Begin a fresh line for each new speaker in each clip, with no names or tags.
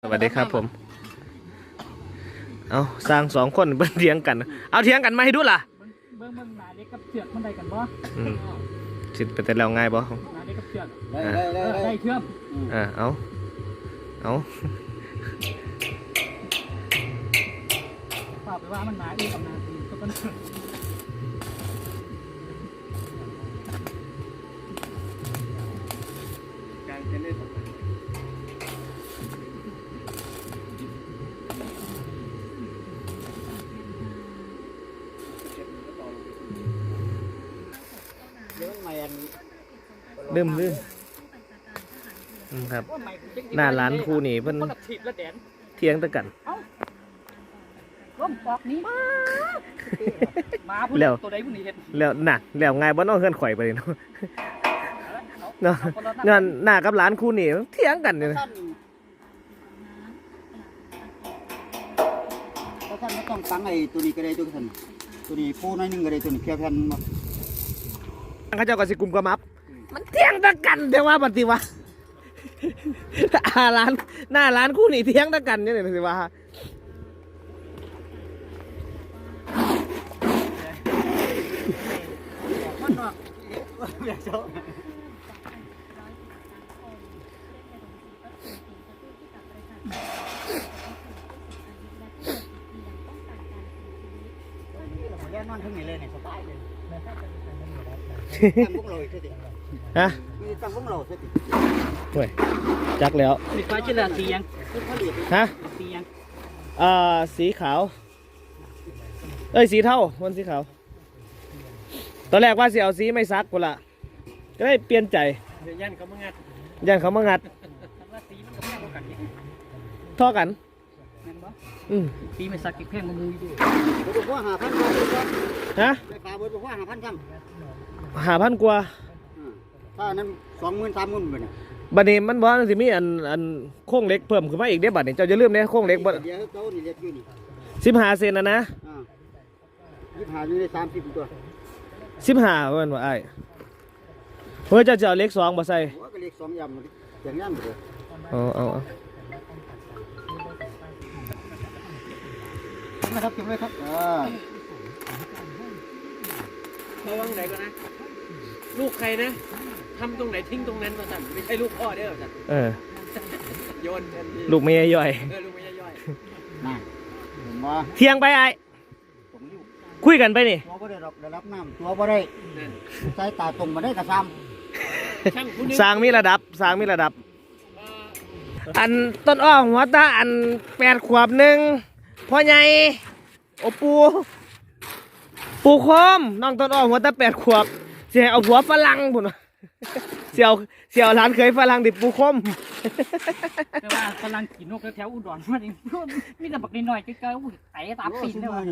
สวัสดีครับผมเอาสร้างสองคนเบิ่งเถียงกันเอาเถียงกันมาให้ดูล่ะ
เบิ่งหนาเด็กกับเชือกมันได้กันบ่
สิเป็นแต่แล้วง่ายบ่
หนาเด็กกับเชือก
ได้
เชื่อม
เอา
ฝากไปว่ามันหนาอีกกับหนาดีก็ต้อง
การเล่นเล่น
ลืมครับหน้าร้านครูนี่เพิ่นเถียงตะกัน
ล้มปอกนี้มาพูดตัวใดผู้นี้เห็น
แล้วหนักแล้วง่ายบ่น้องเฮือนข่อยไปเลยเนาะเนาะงานหน้ากับร้านครูนี่เถียงกันเนี่ย
ท่านไม่ต้องตั้งไอ้ตัวนี้ก็ได้ตัวท่านตัวนี้ปูน้อยนึงก็ได้ตัวนี้เพียงแผ่น
เขาเจ้าก็สิกุมกระมับมันเถียงตะกันเดี๋ยวว่าปฏิวะร้านหน้าร้านคู่นี่เถียงตะกันเนี่ยสิว่า
มันเนาะอยากโชว์แย่นอนทั้งนี้เลยเนี่ยสบายเลยตั้งวงเราอีกที
ฮะ
มีตั้งวงเราสักที
เว้ยจักแล้ว
มีฟ้าชื่ออะไรสียัง
ฮะ
สียัง
สีขาวสีเทามันสีขาวตอนแรกว่าสิเอาสีไม่ซักกูละก็ได้เปลี่ยนใจ
ยันเขามางั
ดท่อกัน
สีไม่ซักกี่แพงมามือด้วย
บดว่า5,000ฮะราคาบดว่า5,000
5,000กว่า
ถ้านั้น20,000-30,000บ่เนี่ย
บัดนี้มันบ่สิมีอันโค้งเล็กเพิ่มขึ้นมาอีกเด้บัดนี้เจ้าจะลืมเด้โค้งเล็กบ่
เดี๋ยวเขานี่เล็กอยู่นี่
15 เซนนะ
25อยู่ใน30ตัว
15ว่ามันว่าอ้ายเฮ้ยเจ้าจะเอาเล็ก2บ่ใส่
ก็เล็ก2ยำอย่างนั้นเด้
เอา
นะครับเก็บไว้ครับ
ระวังไหนก่อนนะลูกใครนะทำตรงไหนทิ้งตรงนั้นมาสั่นไม่ใช่ลูกพ่อเด้อสั่นโยน
ลูกไม่ย่อย
ลูกไม่ย่อย
เที่ยงไปไอ้คุยกันไปนี่
ตัวบ่ได้ได้รับน้ำตัวบ่ได้ใช้ตาตรงมาได้กระซ้
ำสร้างมีระดับอันต้นอ้อหัวตาอัน8 ขวบหนึ่งพ่อใหญ่โอปูคมน้องต้นอ้อหัวตา8 ขวบเสียเอาหัวฝรั่งพุ่นเสียวร้านเคยฝรั่งดิปูคม
แต่ว่าฝรั่งกินนกแถวอุดรมาดิมีแต่บักนิดหน่อยก็ไต่ตามปีนได้ว่า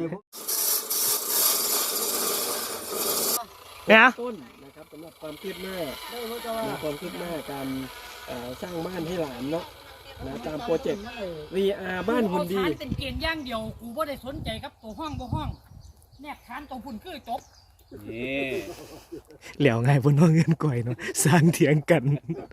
เนี่ย
ต้นนะครับสำหรับความคืบหน้าการสร้างบ้านให้หลานเนาะนะตามโปรเจกต์ VR บ้านหุ่นดี
เป็นเกณฑ์ย่างเดียวกูไม่ได้สนใจครับตัวห้องแนบคานตัวพุ่นคือจบ
เหลียวไงบนน้องเงินก่อยเนาะสร้างเถียงกัน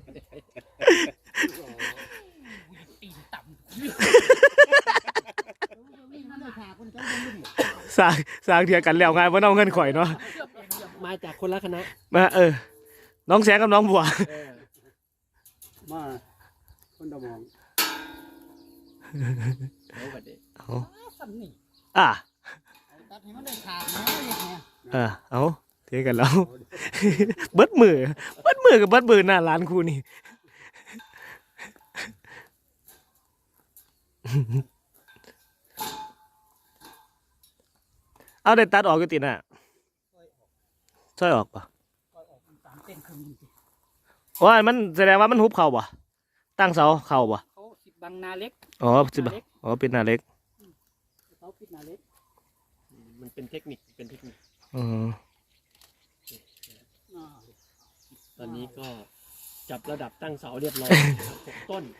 สร้างเถียงกันเหลียวไงบนน้องเงินก่อยเนาะ
มาจากคนละคณะ
มาน้องแสงกับน้องบัว
มาคนดมองตัดให้มันได้ขาดนะ
เอาเทียงกันแล้วเบิดมือกับเบิดมือหน้าร้านครูนี่เอาได้ตัดออกก็ติดน่ะช่วยออกป่ะว่ามันแสดงว่ามันหุบเข่าป่ะตั้งเสาเข่าป่ะ
เขาปิดบังนาเล็ก
ปิดปิดนาเล็ก
เขาปิดนาเล็ก
มันเป็นเทคนิคตอนนี้ก็จับระดับตั้งเสาเรียบร้อย6 ต้น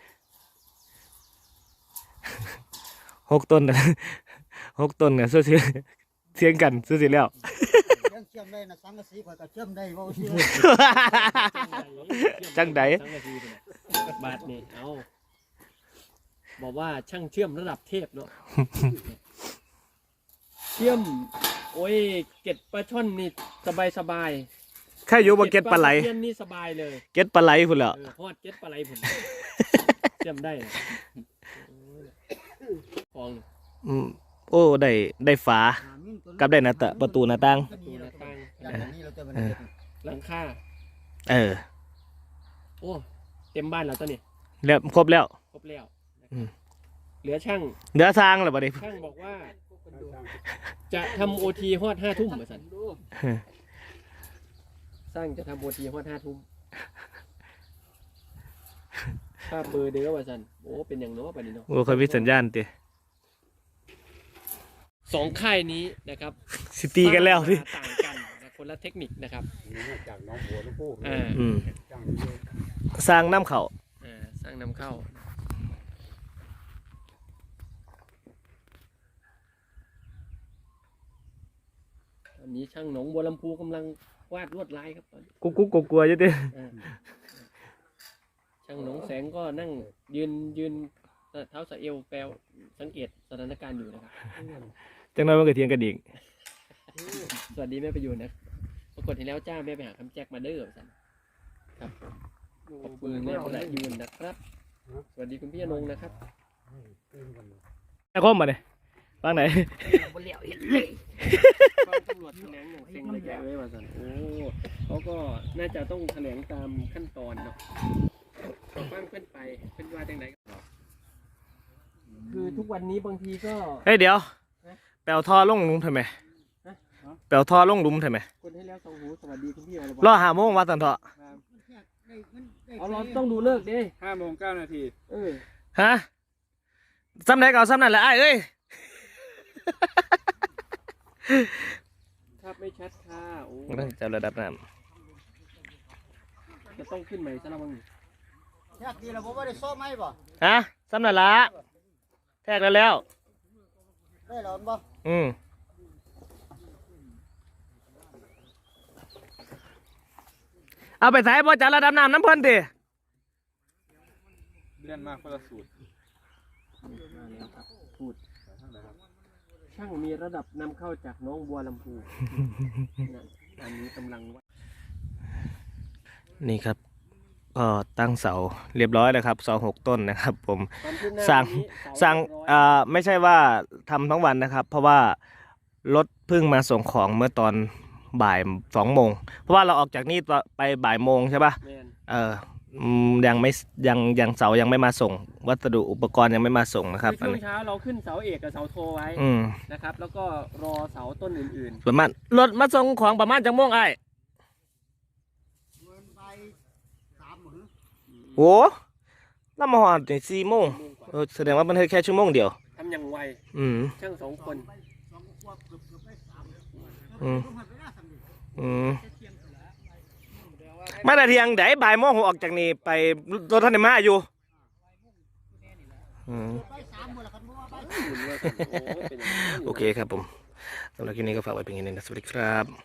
6 ต้นเนี่ยสู้เทียงกันสู้สิแล้ว
เชื่อมได้นะสังกะสีข่อยก็เชื่อมได้ว่าเชื่อ
จังได
บาทนี่เอา
บอกว่าช่างเชื่อมระดับเทพเนาะ เชื่อมโอ้ยเก็ดปลาช่อนนี่สบาย
แค่อยู่บ่เก็ตปลาไหล
เก็ดตะเพียนนี่สบายเลย
เก็ตปลาไหลพุ่นแล้ว
ทอดเก็ดปลาไหลผม เชื่อมได้นะของ
อืมโอ้ได้ฝากับได้หน้าประตูหน้าต่าง
ประตูหน้าต่าง
นี่เราจะมัน
หลังคา
เออ
โอ้เต็มบ้านแล้วตอนนี้
แล้วครบแล้ว
ครบแล้วนะค
อื
รับ
ม
เหลือช่าง
เหลือสร้างแล้วบัดนี้
ช่างบอกว่า จะทำโอทีฮอด5 ทุ่มมาสั่นสร้างจะทำโอทีฮอด5 ทุ่มภาพเบอร์เด้อว่าสั่นโอ้เป็นอย่างเน้อปะนี้เนาะ
โอ้ค่อยมีสัญญาณติ
สองค่ายนี้นะครับ
สิตีกันแล้วดิ
ต่างกันนะคนละเทคนิคนะครับ
จากน้องบัวลูกผู้
อ่า
อืมสร้างน้ำเขา
สร้างนำเข้าตอนนี้ช่างหนองบัวลำพูกำลังวาดลวดลายครับตอนนี้
กุ๊กกลัวๆอยู่ติ
ช่างหนองแสงก็นั่งยืนเท้าสะเอวแปลสังเกตสถานการณ์อยู่นะครับ
จังน้อยมันก็เถียงกันอีก
สวัสดีแม่ประยูนนะปรากฏเห็นแล้วจ้าแม่ไปหาคำแจ็คมาเด้อสันครับขอบคุณแม่ประยูนนะครับ สวัสดีคุณพี่อนงนะครับ
ไอ้คมมาเนี่ยบ้างไหน
ฟังตำรวจแถลงอย่างเซ็งเลยแกเอ้ยว่าสันโอ้เขาก็น่าจะต้องแถลงตามขั้นตอนเนาะฟังเพื่อนไปเป็นว่าจังไหนคือทุกวันนี้บางทีก็
เฮ้ยเดี๋ยวแปลวท่อลงหลุมทำไมแปลวท่อลงหลุมทำไม
คนให้แล้วสองหูสวัสดีคุณพี่อะไร
รอ5 โมงว่าตันเถาะ
เอาเราต้องดูเลิกดิ
5:09 น.
ฮะซ้ำไหนก็เอาซ้ำนั่นแหละไอ้เอ้ย
ภาพไม่ชัดค่ะโอ้
มันต้องจับระดับน้
จะต้องขึ้นใหม่ซะแล้วมั้ง
อยากดีแล้วผมว่าได้ซ้อมไหมบ่
ำฮะซ้ำนั่นละแทกแล้ว
ได้แล้วบ่
เอาไปใส่บ่จับระดับน้ำน้ำเพิ่นติ
เลื่อนมากคนละสูตร
มาแล้วครับพูดช่างมีระดับนำเข้าจากน้องบัวลำพูนะอันนี้กำลังวัด
นี่ครับก็ตั้งเสาเรียบร้อยแล้วครับเสา6 ต้นนะครับ ผม
ความคืบหน้า
สั่ง
นี้เสา
สั่ง
เรียบร้อย
ไม่ใช่ว่าทำทั้งวันนะครับ เพราะว่ารถเพิ่งมาส่งของเมื่อตอนบ่าย2 โมงเพราะว่าเราออกจากนี่ไปบ่ายโมงใช่ปะ
แมน
ยังไม่ยังเสายังไม่มาส่ง วัสดุอุปกรณ์ยังไม่มาส่งนะครับ
คือช่วงเช้าเราขึ้นเสาเอกกับเสาโทไว้
อืม
นะครับ แล้วก็รอเสาต้นอื่น
ประมาณรถมาส่งของประมาณจังโมงไอ้
เงินไป3 มื้อ
โหน้ำมาหอดถึง4 โมง
ๆโมงกว่า
แสดงว่ามันแค่ชั่วโมงเดียว
ทำอย่างไว
อืม
ช่าง2 คน
2 ขวบเกือบได้3
อืม
ต้องให้ไปได้สำเร็จ
อืมมาแต่เที่ยงไดบ่ายโมงผมออกจากนี่ไปรถทันได้มาอยู่อืม
ไป3 มื้อแล้วกันบ่ว่าไป
หมุนว่าโอ้เป็นอย่างนั้น
โอเคครับผมสำหรับคลิปนี้ก็ฝากไว้เพียงแค่นี้นะสวัสดีครับ